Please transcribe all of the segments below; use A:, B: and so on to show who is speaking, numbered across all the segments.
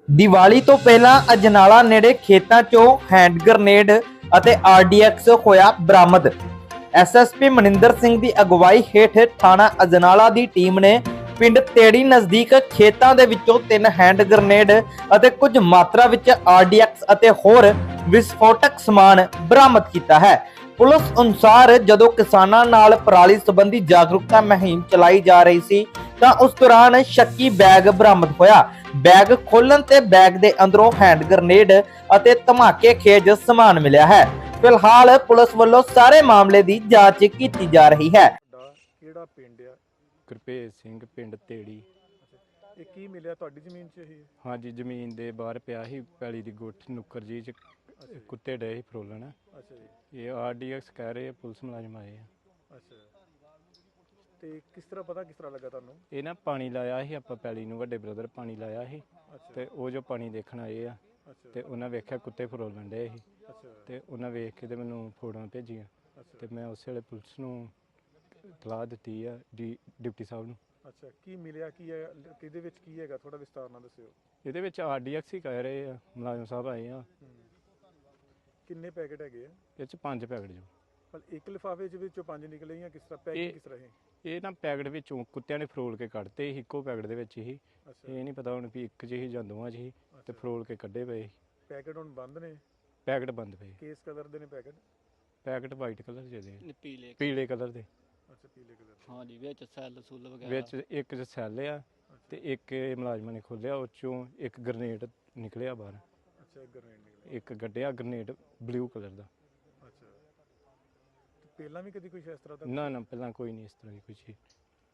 A: ਦੀਵਾਲੀ ਤੋਂ ਪਹਿਲਾਂ ਅਜਨਾਲਾ ਨੇੜੇ ਖੇਤਾਂ 'ਚੋਂ ਹੈਂਡ ਗ੍ਰਨੇਡ ਅਤੇ ਆਰਡੀਐਕਸ ਹੋਇਆ ਬਰਾਮਦ। ਐਸਐਸਪੀ ਮਨਿੰਦਰ ਸਿੰਘ ਦੀ ਅਗਵਾਈ ਹੇਠ ਥਾਣਾ ਅਜਨਾਲਾ ਦੀ ਟੀਮ ਨੇ ਪਿੰਡ ਤੇੜੀ ਨਜ਼ਦੀਕ ਖੇਤਾਂ ਦੇ ਵਿੱਚੋਂ 3 ਹੈਂਡ ਗ੍ਰਨੇਡ ਅਤੇ ਕੁਝ ਮਾਤਰਾ ਵਿੱਚ ਆਰਡੀਐਕਸ ਅਤੇ ਹੋਰ ਵਿਸਫੋਟਕ ਸਮਾਨ ਬਰਾਮਦ ਕੀਤਾ ਹੈ। ਪੁਲਿਸ ਅਨੁਸਾਰ ਜਦੋਂ ਕਿਸਾਨਾਂ ਨਾਲ ਪਰਾਲੀ ਸੰਬੰਧੀ ਜਾਗਰੂਕਤਾ ਮੁਹਿੰਮ ਚਲਾਈ ਜਾ ਰਹੀ ਸੀ ਤਾਂ ਉਸ ਦੌਰਾਨ ਸ਼ੱਕੀ ਬੈਗ ਬਰਾਮਦ ਹੋਇਆ। बैग खोलन ते बैग दे अंदरों हैंड ग्रनेड अते धमाके खेज समान मिला है। फिलहाल पुलिस वालों सारे मामले की जांच की जा रही है।
B: ਕਿਹੜਾ ਪਿੰਡ ਆ?
C: ਗੁਰਭੇਜ ਸਿੰਘ ਪਿੰਡ ਤੇੜੀ।
B: ਇਹ ਕੀ ਮਿਲਿਆ ਤੁਹਾਡੀ ਜ਼ਮੀਨ 'ਚ ਇਹ?
C: ਹਾਂਜੀ, ਜ਼ਮੀਨ ਦੇ ਬਾਹਰ ਪਿਆ ਸੀ ਪੈਲੀ ਦੀ ਗੁੱਠ ਨੁੱਕਰ ਜੀ 'ਚ ਕੁੱਤੇ ਡਏ ਸੀ ਫਰੋਲਣ।
B: ਅੱਛਾ ਜੀ।
C: ਇਹ ਆਰਡੀਐਕਸ ਕਹਿ ਰਹੇ ਆ, ਪੁਲਿਸ ਮੁਲਾਜ਼ਮ ਆਏ ਆ।
B: ਅੱਛਾ, ਤੇ ਕਿਸ ਤਰ੍ਹਾਂ ਲੱਗਾ ਤੁਹਾਨੂੰ?
C: ਇਹ ਨਾ ਪਾਣੀ ਲਾਇਆ ਸੀ ਆਪਾਂ ਪੈਲੀ ਨੂੰ, ਵੱਡੇ ਬ੍ਰਦਰ ਪਾਣੀ ਲਾਇਆ ਸੀ
B: ਅੱਛਾ।
C: ਤੇ ਉਹ ਜੋ ਪਾਣੀ ਦੇਖਣ ਆਏ ਆ
B: ਅੱਛਾ।
C: ਤੇ ਉਹਨਾਂ ਵੇਖਿਆ ਕੁੱਤੇ ਫਰੋਲਣ ਡਏ ਸੀ
B: ਅੱਛਾ।
C: ਤੇ ਉਹਨਾਂ ਵੇਖ ਕੇ ਤੇ ਮੈਨੂੰ ਫੋਟੋਆਂ ਭੇਜੀਆਂ ਤੇ ਮੈਂ ਉਸੇ ਵੇਲੇ ਪੁਲਿਸ ਨੂੰ ਇਤਲਾਹ ਦਿੱਤੀ ਆ ਡਿਪਟੀ ਸਾਹਿਬ ਨੂੰ।
B: ਅੱਛਾ, ਕੀ ਮਿਲਿਆ, ਕੀ ਹੈ, ਕਿਹਦੇ ਵਿੱਚ ਕੀ ਹੈਗਾ, ਥੋੜਾ ਵਿਸਤਾਰ ਨਾਲ ਦੱਸਿਓ।
C: ਇਹਦੇ ਵਿੱਚ ਆਰਡੀਐਕਸ ਹੀ ਕਹਿ ਰਹੇ ਆ, ਮੁਲਾਜ਼ਮ ਸਾਹਿਬ ਆਏ ਆ।
B: ਕਿੰਨੇ ਪੈਕੇਟ ਹੈਗੇ ਆ?
C: ਇਹ 'ਚ 5 ਪੈਕਟ ਜੋ।
B: ਪਰ ਇੱਕ ਲਿਫਾਫੇ ਦੇ ਵਿੱਚੋਂ 5 ਨਿਕਲੇ ਜਾਂ ਕਿਸ ਤਰ੍ਹਾਂ ਪੈਕੇਟ ਕਿਸ ਤਰ੍ਹਾਂ ਹੈ?
C: ਇਹ ਨਾ ਪੈਕਟ ਵਿੱਚੋਂ ਕੁੱਤਿਆਂ ਨੇ ਫਰੋਲ ਕੇ ਕੱਢਤੇ ਸੀ, ਇੱਕੋ ਪੈਕਟ ਦੇ ਵਿੱਚ ਹੀ। ਇਹ ਨਹੀਂ ਪਤਾ ਹੁਣ ਵੀ ਇੱਕ 'ਚ ਹੀ ਜਾਂ ਦੋਵਾਂ 'ਚ ਹੀ ਤੇ ਫਰੋਲ ਕੇ ਕੱਢੇ ਪਏ।
B: ਪੈਕੇਟ ਹੁਣ ਬੰਦ ਨੇ?
C: ਪੈਕਟ ਬੰਦ ਪਏ।
B: ਕਿਸ ਕਲਰ ਦੇ ਨੇ ਪੈਕਟ?
C: ਪੈਕਟ ਵਾਈਟ ਕਲਰ ਦੇ,
D: ਪੀਲੇ
C: ਕਲਰ ਦੇ।
B: ਅੱਛਾ, ਪੀਲੇ ਕਲਰ।
D: ਹਾਂ ਜੀ, ਵਿੱਚ ਸੈੱਲ ਸੁੱਲ ਵਗੈਰਾ
C: ਵਿੱਚ ਇੱਕ 'ਚ ਸੈੱਲ ਆ ਤੇ ਇੱਕ ਇਹ ਮੁਲਾਜ਼ਮਾਂ ਨੇ ਖੋਲਿਆ, ਉਹ 'ਚੋਂ ਇੱਕ ਗ੍ਰਨੇਡ ਨਿਕਲਿਆ ਬਾਹਰ।
B: ਅੱਛਾ, ਗ੍ਰਨੇਡ ਨਿਕਲਿਆ।
C: ਇੱਕ ਗੱਡਿਆ ਗ੍ਰਨੇਡ ਬਲੂ ਕਲਰ ਦਾ।
B: ਅੱਛਾ, ਤੇ ਪਹਿਲਾਂ ਵੀ ਕਦੀ ਕੁਝ ਇਸ ਤਰ੍ਹਾਂ ਦਾ?
C: ਨਾ ਪਹਿਲਾਂ ਕੋਈ ਨਹੀਂ ਇਸ ਤਰ੍ਹਾਂ ਦੀ ਕੋਈ ਚੀਜ਼।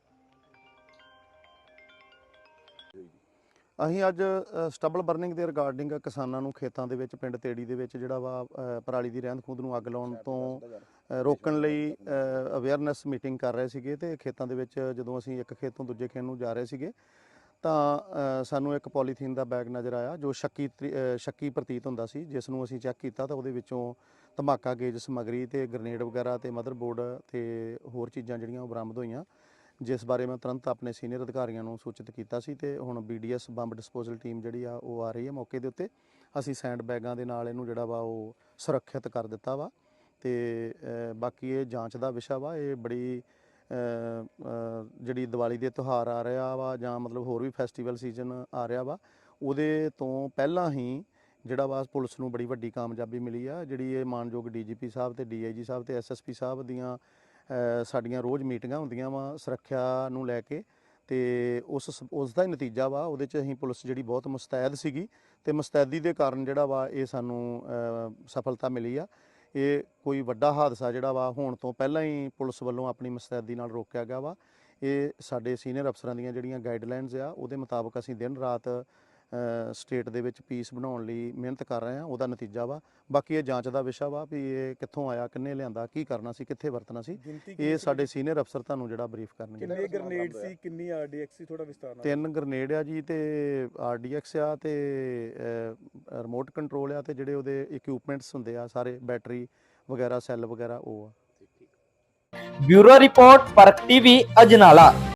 E: ਅਸੀਂ ਅੱਜ ਸਟਬਲ ਬਰਨਿੰਗ ਦੇ ਰਿਗਾਰਡਿੰਗ ਕਿਸਾਨਾਂ ਨੂੰ ਖੇਤਾਂ ਦੇ ਵਿੱਚ ਪਿੰਡ ਤੇੜੀ ਦੇ ਵਿੱਚ ਜਿਹੜਾ ਵਾ ਪਰਾਲੀ ਦੀ ਰਹਿੰਦ ਖੂੰਹਦ ਨੂੰ ਅੱਗ ਲਾਉਣ ਤੋਂ ਰੋਕਣ ਲਈ ਅਵੇਅਰਨੈਸ ਮੀਟਿੰਗ ਕਰ ਰਹੇ ਸੀਗੇ ਤੇ ਖੇਤਾਂ ਦੇ ਵਿੱਚ ਜਦੋਂ ਅਸੀਂ ਇੱਕ ਖੇਤ ਤੋਂ ਦੂਜੇ ਖੇਤ ਨੂੰ ਜਾ ਰਹੇ ਸੀਗੇ ਤਾਂ ਸਾਨੂੰ ਇੱਕ ਪੋਲੀਥੀਨ ਦਾ ਬੈਗ ਨਜ਼ਰ ਆਇਆ ਜੋ ਸ਼ੱਕੀ ਪ੍ਰਤੀਤ ਹੁੰਦਾ ਸੀ, ਜਿਸ ਨੂੰ ਅਸੀਂ ਚੈੱਕ ਕੀਤਾ ਤਾਂ ਉਹਦੇ ਵਿੱਚੋਂ ਧਮਾਕਾ ਗੇਜ ਸਮੱਗਰੀ ਤੇ ਗ੍ਰਨੇਡ ਵਗੈਰਾ ਤੇ ਮਦਰਬੋਰਡ ਤੇ ਹੋਰ ਚੀਜ਼ਾਂ ਜਿਹੜੀਆਂ ਉਹ ਬਰਾਮਦ ਹੋਈਆਂ, ਜਿਸ ਬਾਰੇ ਮੈਂ ਤੁਰੰਤ ਆਪਣੇ ਸੀਨੀਅਰ ਅਧਿਕਾਰੀਆਂ ਨੂੰ ਸੂਚਿਤ ਕੀਤਾ ਸੀ ਤੇ ਹੁਣ BDS ਬੰਬ ਡਿਸਪੋਜ਼ਲ ਟੀਮ ਜਿਹੜੀ ਆ ਉਹ ਆ ਰਹੀ ਹੈ ਮੌਕੇ ਦੇ ਉੱਤੇ। ਅਸੀਂ ਸੈਂਡ ਬੈਗਾਂ ਦੇ ਨਾਲ ਇਹਨੂੰ ਜਿਹੜਾ ਵਾ ਉਹ ਸੁਰੱਖਿਅਤ ਕਰ ਦਿੱਤਾ ਵਾ ਤੇ ਬਾਕੀ ਇਹ ਜਾਂਚ ਦਾ ਵਿਸ਼ਾ ਵਾ। ਇਹ ਬੜੀ ਜਿਹੜੀ ਦੀਵਾਲੀ ਦੇ ਤਿਉਹਾਰ ਆ ਰਿਹਾ ਵਾ ਜਾਂ ਮਤਲਬ ਹੋਰ ਵੀ ਫੈਸਟੀਵਲ ਸੀਜ਼ਨ ਆ ਰਿਹਾ ਵਾ, ਉਹਦੇ ਤੋਂ ਪਹਿਲਾਂ ਹੀ ਜਿਹੜਾ ਵਾ ਪੁਲਿਸ ਨੂੰ ਬੜੀ ਵੱਡੀ ਕਾਮਯਾਬੀ ਮਿਲੀ ਆ। ਜਿਹੜੀ ਇਹ ਮਾਨਯੋਗ DGP ਸਾਹਿਬ ਤੇ DIG ਸਾਹਿਬ ਤੇ SSP ਸਾਹਿਬ ਦੀਆਂ ਸਾਡੀਆਂ ਰੋਜ਼ ਮੀਟਿੰਗਾਂ ਹੁੰਦੀਆਂ ਵਾ ਸੁਰੱਖਿਆ ਨੂੰ ਲੈ ਕੇ ਤੇ ਉਸ ਦਾ ਹੀ ਨਤੀਜਾ ਵਾ। ਉਹਦੇ 'ਚ ਅਸੀਂ ਪੁਲਿਸ ਜਿਹੜੀ ਬਹੁਤ ਮੁਸਤੈਦ ਸੀਗੀ ਤੇ ਮੁਸਤੈਦੀ ਦੇ ਕਾਰਨ ਜਿਹੜਾ ਵਾ ਇਹ ਸਾਨੂੰ ਸਫਲਤਾ ਮਿਲੀ ਆ। ਇਹ ਕੋਈ ਵੱਡਾ ਹਾਦਸਾ ਜਿਹੜਾ ਵਾ ਹੋਣ ਤੋਂ ਪਹਿਲਾਂ ਹੀ ਪੁਲਿਸ ਵੱਲੋਂ ਆਪਣੀ ਮੁਸਤੈਦੀ ਨਾਲ ਰੋਕਿਆ ਗਿਆ ਵਾ। ਇਹ ਸਾਡੇ ਸੀਨੀਅਰ ਅਫਸਰਾਂ ਦੀਆਂ ਜਿਹੜੀਆਂ ਗਾਈਡਲਾਈਨਸ ਆ ਉਹਦੇ ਮੁਤਾਬਕ ਅਸੀਂ ਦਿਨ ਰਾਤ ਸਟੇਟ ਦੇ ਵਿੱਚ ਪੀਸ ਬਣਾਉਣ ਲਈ ਮਿਹਨਤ ਕਰ ਰਹੇ ਹਾਂ, ਉਹਦਾ ਨਤੀਜਾ ਵਾ। ਬਾਕੀ ਇਹ ਜਾਂਚ ਦਾ ਵਿਸ਼ਾ ਵਾ ਵੀ ਇਹ ਕਿੱਥੋਂ ਆਇਆ, ਕਿੰਨੇ ਲਿਆਂਦਾ, ਕੀ ਕਰਨਾ ਸੀ, ਕਿੱਥੇ ਵਰਤਣਾ ਸੀ, ਇਹ ਸਾਡੇ ਸੀਨੀਅਰ ਅਫਸਰ ਤੁਹਾਨੂੰ ਜਿਹੜਾ ਬਰੀਫ ਕਰਨਗੇ।
B: ਕਿੰਨੇ ਗ੍ਰਨੇਡ ਸੀ, ਕਿੰਨੀ ਆਰਡੀਐਕਸ ਸੀ, ਥੋੜਾ ਵਿਸਤਾਰ ਨਾਲ?
E: 3 ਗ੍ਰਨੇਡ ਆ ਜੀ ਤੇ ਆਰਡੀਐਕਸ ਆ ਤੇ ਰਿਮੋਟ ਕੰਟਰੋਲ ਆ ਤੇ ਜਿਹੜੇ ਉਹਦੇ ਇਕਵਿਪਮੈਂਟਸ ਹੁੰਦੇ ਆ ਸਾਰੇ ਬੈਟਰੀ ਵਗੈਰਾ ਸੈੱਲ ਵਗੈਰਾ ਉਹ ਆ।
A: Bureau report Parakh TV Ajnala.